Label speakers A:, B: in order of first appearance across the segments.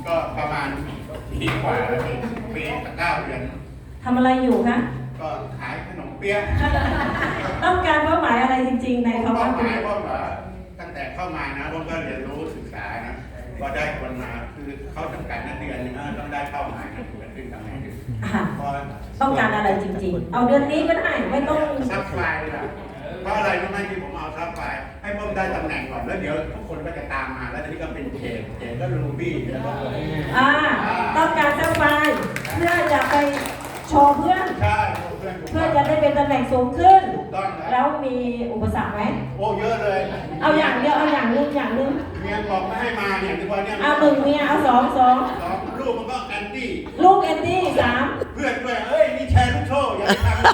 A: ก็ประมาณปีกว่าแล้วปีกับ9 เดือน
B: ทำอะไรอยู่คะ
A: ก็ขายขนมเปี๊ยะ
B: ต้องการเป้าหมายอะไรจริงๆในคำว่า
A: เป้าหมายว่าตั้งแต่เข้ามานะผมก็เรียนรู้ศึกษานะก็ได้คนมาคือเขาจำกัดนักเรียนต้องได้เป้าหมายนะถึงจะขึ้นตำแหน่ง
B: ต้องการอะไรจริงๆเอาเดือนนี้ก็ได้ไม่ต้อง
A: ซับไฟเลยนะเพราะอะไรรู้ไหมที่ผมเอาซับไฟให้ผมได้ตำแหน่งก่อนแล้วเดี๋ยวทุกคนก็จะตามมาแล้วทีนี้ก็เป็นเขตก็รูบี้แล้วก็
B: ต้องการซับไฟเพื่อจะไปโชว์เพื่อน
A: ใช่
B: เพื่อจะได้เป็นตำแหน่งสูงขึ้น
A: แล้
B: วมีอุปสรรคไหม
A: โอ้เยอะเลย
B: เอาอย่างเดียวเอาอย่างนึง
A: เมียบอกไม่ให้มาเนี่ยที่ว่าเนี่ย
B: เอา1เมียเอา2
A: ลูกมันก็แอนตี้
B: ลูกแอนตี้
A: 3เพื่อนด้วยเอ้ยนี่แชร์ลูกโซ่อย่าไปทำ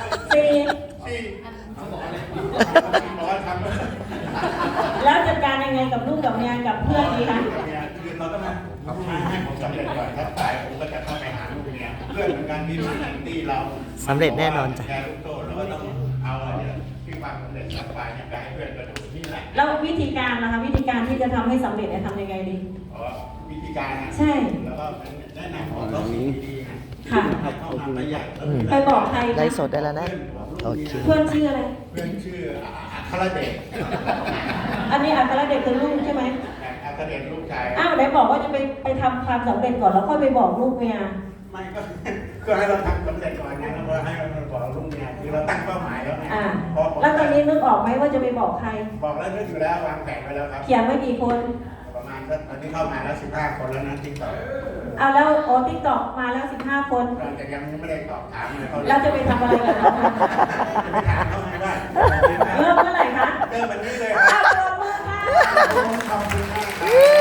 A: บอกท
B: ำแล้วจัดการยังไงกับลูกกับเมียกับเพื่อนดีคะ
A: คือเราต้องให้ผมสำเร็จก่อนถ้าตายผมก็จะเข้าไปหาลูกเมียเพื่อนเหมือนกันที่รู้แอนตี้เรา
C: สำเร็จแน่นอนจ้ะ
A: แชร์ลูกโซ่เราก็ต้องเอาเนี่ยที่ความสำเร็จสักไปเนี่ยไปให้เพื่อนก็ดูนี่แหละ
B: แล้ววิธีการนะคะวิธีการที่จะทำให้สำเร็จเนี่ยทำยังไงดี
A: วิธีการ
B: ใช่
A: แล้วก็แนะนำของเราดีๆ
B: ค่ะไปบอกใคร
C: ไลฟ์สดได้แล้วนะโอเค
B: เพื่อนชื่ออะไร
A: เพื่อนชื่ออัครเดช
B: อันนี้อัครเดชคือลูกใช่ไหม
A: อัครเดชลูกชาย
B: ไหนบอกว่าจะไปทำความสำเร็จก่อนแล้วค่อยไปบอกลูกเมีย
A: ไม่ก็ให้เราทำสำเร็จก่อนไงแล้วให้เราบอกลูกเมียคือเราตั้งเป้าหมายแล้วไง
B: แล้วตอนนี้นึกออกไหมว่าจะไปบอกใคร
A: บอกแล้วนึกอยู่แล้ววางแผนไว้แล้วครับ
B: เขียนไว้กี่คน
A: ประมาณตอนนี้เข้ามาแล้ว15 คนแล้วนะติ๊กต็อก
B: แล้วติ๊กต็อกมาแล้ว15 คน
A: แต่ยังไม่ได้ตอบถามเลยเขา
B: เราจะไปทำอะไรกันจะ
A: ไปถามเขาไงว่า
B: เริ่มเมื่อไหร่คะ
A: เริ่มวันนี้เลย
B: ครับขอบคุณค่ะ
A: ขอบคุณมาก